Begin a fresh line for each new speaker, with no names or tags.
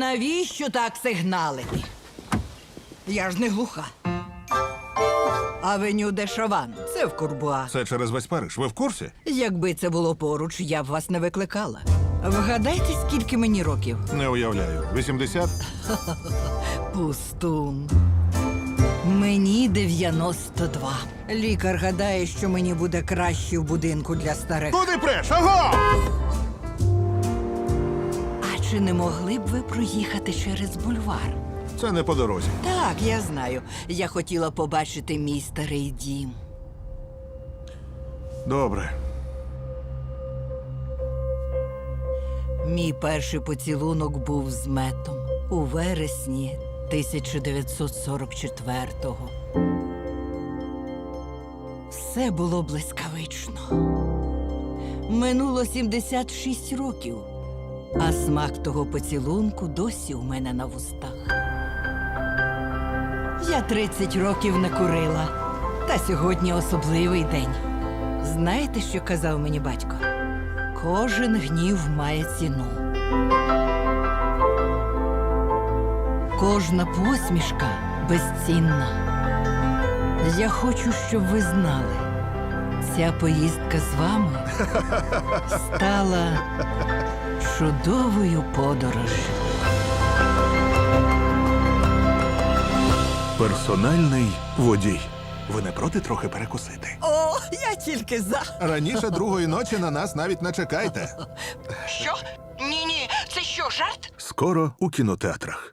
навіщо так сигналити? Я ж не глуха. Авеню де Шован. Це в Курбуа.
Це через весь Париж. Ви в курсі?
Якби це було поруч, я б вас не викликала. Вгадайте, скільки мені років?
Не уявляю. 80?
Пустун. Мені 92. Лікар гадає, що мені буде краще в будинку для старих.
Куди преш? Аго!
А чи не могли б ви проїхати через бульвар?
Це не по дорозі.
Так, я знаю. Я хотіла побачити мій старий дім.
Добре.
Мій перший поцілунок був з Метом у вересні 1944-го. Все було блискавично. Минуло 76 років, а смак того поцілунку досі у мене на вустах. Я 30 років не курила, та сьогодні особливий день. Знаєте, що казав мені батько? Кожен гнів має ціну. Кожна посмішка безцінна. Я хочу, щоб ви знали, ця поїздка з вами стала чудовою подорожжю.
Персональний водій. Ви не проти трохи перекусити?
О, я тільки за.
Раніше другої ночі на нас навіть не чекайте.
Що? Ні-ні, це що, жарт?
Скоро у кінотеатрах.